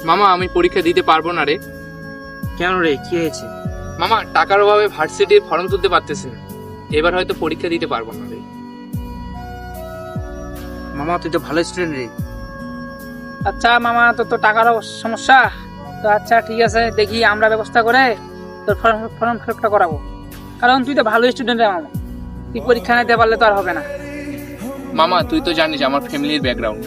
মামা আমি পরীক্ষা দিতে পারবো না রে। কেন রে, কি হয়েছে? মামা টাকার অভাবে ভার্সিটির ফর্ম তুলতে পারতেছি না, এবার হয়তো পরীক্ষা দিতে পারবো না রে। মামা তুই তো ভালো স্টুডেন্ট রে। আচ্ছা মামা, তোর তো টাকার সমস্যা তো। আচ্ছা ঠিক আছে, দেখি আমরা ব্যবস্থা করে তোর ফর্ম ফর্ম ফিলআপটা করাবো। কারণ তুই তো ভালো স্টুডেন্ট রে মামা, তুই পরীক্ষা নিতে পারলে তো আর হবে না। মামা তুই তো জানিস আমার ফ্যামিলির ব্যাকগ্রাউন্ড।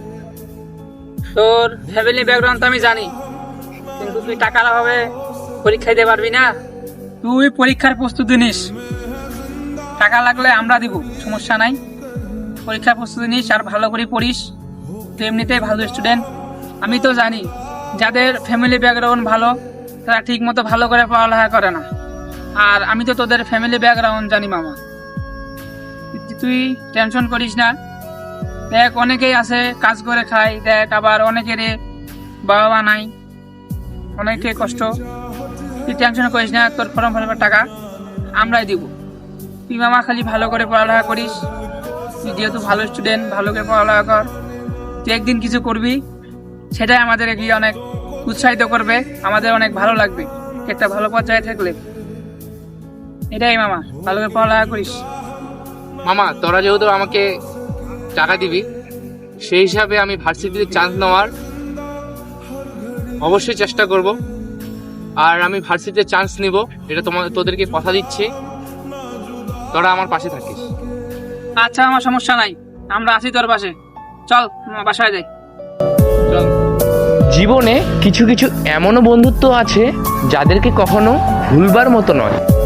তোর ফ্যামিলি ব্যাকগ্রাউন্ড তো আমি জানি, কিন্তু তুই টাকার অভাবে পরীক্ষা দিতে পারবি না। তুই পরীক্ষার প্রস্তুতি নিস, টাকা লাগলে আমরা দিব, সমস্যা নাই। পরীক্ষার প্রস্তুতি নিস আর ভালো করে পড়িস, তুই এমনিতেই ভালো স্টুডেন্ট। আমি তো জানি যাদের ফ্যামিলি ব্যাকগ্রাউন্ড ভালো তারা ঠিক মতো ভালো করে পড়ালেখা করে না, আর আমি তো তোদের ফ্যামিলি ব্যাকগ্রাউন্ড জানি মামা। তুই টেনশন করিস না। দেখ অনেকেই আছে কাজ করে খায়, দেখ আবার অনেকের বাবা মা নাই, অনেকে কষ্ট। তুই টেনশন করিস না, তোর ফর্ম ফিলাপের টাকা আমরাই দিব। তুই মামা খালি ভালো করে পড়ালেখা করিস, তুই যেহেতু ভালো স্টুডেন্ট, ভালো করে পড়ালেখা কর। তুই একদিন কিছু করবি, সেটাই আমাদের এগিয়ে অনেক উৎসাহিত করবে, আমাদের অনেক ভালো লাগবে একটা ভালো পর্যায়ে থাকলে। এটাই মামা, ভালো করে পড়ালেখা করিস। মামা তোরা যেহেতু আমাকে টাকা দিবি, সেই হিসাবে আমি ভার্সিটিতে চান্স নেওয়ার অবশ্যই চেষ্টা করব। আর আমি ভার্সিটিতে চান্স নিব, এটা তোদেরকে কথা দিচ্ছি, তোরা আমার পাশে থাকিস। আচ্ছা আমার সমস্যা নাই, আমরা আছি তোর পাশে। চল বাসায় যাই। চল। জীবনে কিছু কিছু এমনও বন্ধুত্ব আছে যাদেরকে কখনো ভুলবার মতো নয়।